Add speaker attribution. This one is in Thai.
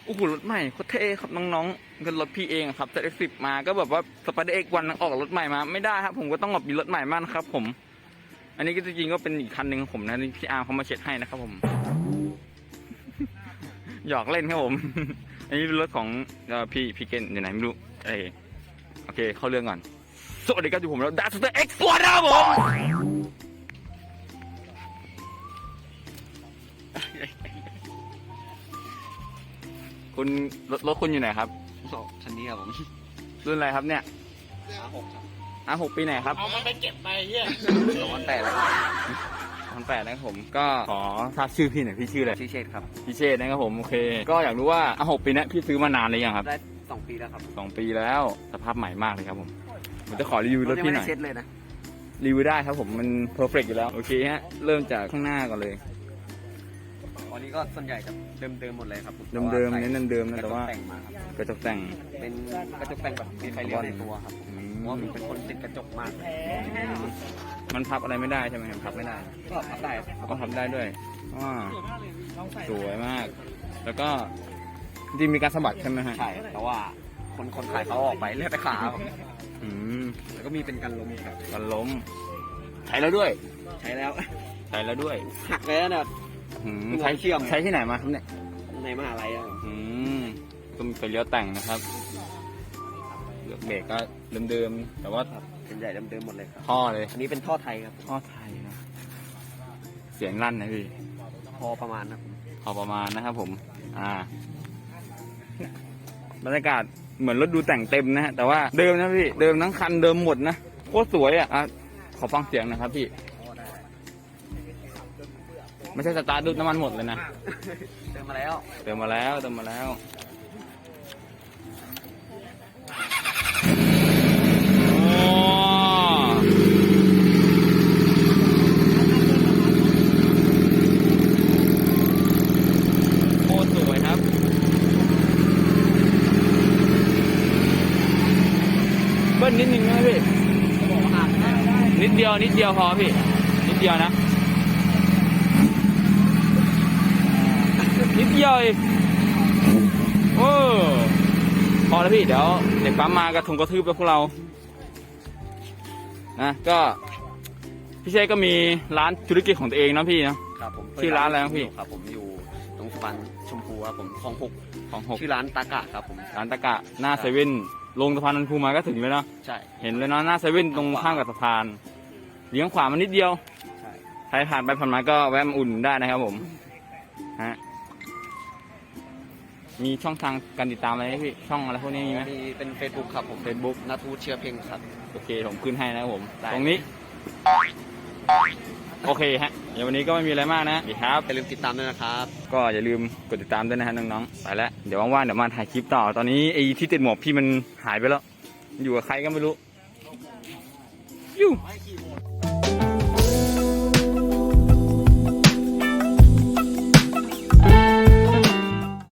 Speaker 1: โอ้โหรถใหม่โคตรเท่ครับน้องๆกันรถพี่เองครับแต่X10มาก็แบบว่าสไปเดอร์Xวันออกรถใหม่มาไม่ได้ครับผมก็ต้องแบบมีรถใหม่มากนะครับผมอันนี้ก็จริงๆก็เป็นอีกคันหนึ่งของผมนะที่พี่อาร์เขามาเช็ดให้นะครับผมหยอกเล่นครับผมอันนี้เป็นรถของพี่เกนอยู่ไหนไม่รู้โอเคเข้าเรื่องก่อนสวัสดีครับอยู่ผมแล้วดัสเตอร์Xวันนะครับผมคุณรถคุณอยู่ไหนครับ
Speaker 2: คันนี้ครับผม
Speaker 1: รุ่นอะไรครับเนี่ย
Speaker 2: R6 ครับ
Speaker 1: R6ปีไหนครับ
Speaker 3: เอามันไปเก็บไปเฮีย
Speaker 2: 2008แล้ว
Speaker 1: 2008นะครับผมก็ขอทราบชื่อพี่หน่อยพี่ชื่ออะไร
Speaker 2: ชื่อเชษครับ
Speaker 1: พี่เชษนะครับผมโอเคก็อยากรู้ว่าR6ปีนี้พี่ซื้อมานานหรือยังครับ
Speaker 2: ได้2 ปีแล้วครับ
Speaker 1: 2 ปีแล้วสภาพใหม่มากเลยครับผมผมจะขอรีวิวรถพี่หน่อย
Speaker 2: เช็ดเลยนะ
Speaker 1: รีวิวได้ครับผมมันเพอร์เฟกต์อยู่แล้วโอเคฮะเริ่มจากข้างหน้าก่อนเลย
Speaker 2: วันนี้ก็ส่วนใหญ่จะเดิมหมดเลยครับ
Speaker 1: เดิมๆเน้นเดิมๆนะแต่ว่า
Speaker 2: แต่งมาครับ
Speaker 1: กระจกแต่ง
Speaker 2: เป็นกระจกแต่งแบบมีไฟเลี้ยวในตัวครับเพราะว่ามันเป็นคนติดกระจกมาก
Speaker 1: มันพับอะไรไม่ได้ใช่ไหมครับ
Speaker 2: พับไม่ได้ก็พับได้
Speaker 1: ก็พับได้ด้วยสวยมากแล้วก็จริงมีการสะบัดใช่ไหมฮะ
Speaker 2: ใช่แต่ว่าคนขายเขาออกไปเลือกแต่ขาแล้วก็มีเป็นกันล้มครับ
Speaker 1: กันล้มใช้แล้วด้วย
Speaker 2: ใช้แล้ว
Speaker 1: หั
Speaker 2: กเลยนะเนี่ย
Speaker 1: ใช้เชื่อมใช้ที่ไหนมาครับเนี่ย
Speaker 2: ในมหาลัย
Speaker 1: ก็มีไฟเลี้ยวแต่งนะครับเลือกเบรกก็เดิมๆแต่ว่า
Speaker 2: เป็นใหญ่เดิมหมดเลยครับ
Speaker 1: ท่อเลย
Speaker 2: อันนี้เป็นท่อไทยครับ
Speaker 1: ท่อไทยนะเสียงลั่นนะพี่
Speaker 2: พอประมาณนะ
Speaker 1: พอประมาณนะครับผมบรรยากาศเหมือนรถดูแต่งเต็มนะฮะแต่ว่าเดิมนะพี่เดิมทั้งคันเดิมหมดนะโคตรสวยขอฟังเสียงนะครับพี่ไม่ใช่สตาร์ทดูน้ำมันหมดเลยนะ
Speaker 2: เติมมาแล้ว
Speaker 1: โคตรสวยครับเบิ้ลนิดนึงนะพี่นิดเดียวพอพี่นิดเดียวนะนิดเดียวเองพอแล้วพี่เดี๋ยวเด็กปั๊มมากระทุงกระทืบไปพวกเรานะก็พี่เชษก็มีร้านธุรกิจของตัวเองนะพี่นะครับ
Speaker 2: ผม
Speaker 1: ที่ร้านอะไรนะพี่
Speaker 2: ครับผมอยู่ตรงสะพานชมพูครับผมคลอง 6 ชื่อร้านตากะครับผม
Speaker 1: ร้านตากะหน้าเซเว่นลงสะพานนันพูมาก็ถึงเลยเนาะ
Speaker 2: ใช่
Speaker 1: เห็นเลยเนาะหน้าเซเว่นตรงข้างกับสะพานเลี้ยงขวามันนิดเดียวใครผ่านไปผ่านมาก็แวะมาอุ่นได้นะครับผมฮะมีช่องทางการติดตามอะไรไหมพี่ช่องอะไรพวกนี้มีไหม
Speaker 2: มีเป็น Facebook ครับผม
Speaker 1: Facebook
Speaker 2: นาทูเชียร์เพ่งครับ
Speaker 1: โอเคผมขึ้นให้นะครับผมตรงนี้โอเคฮะเดี๋ยววันนี้ก็ไม่มีอะไรมากนะ
Speaker 2: ครับอย่าลืมติดตามด้วยนะครับ
Speaker 1: ก็อย่าลืมกดติดตามด้วยนะฮะน้องๆไปแล้วเดี๋ยวว่างๆเดี๋ยวมาถ่ายคลิปต่อตอนนี้ไอ้ที่ติดหมวกพี่มันหายไปแล้วอยู่กับใครก็ไม่รู้อยู่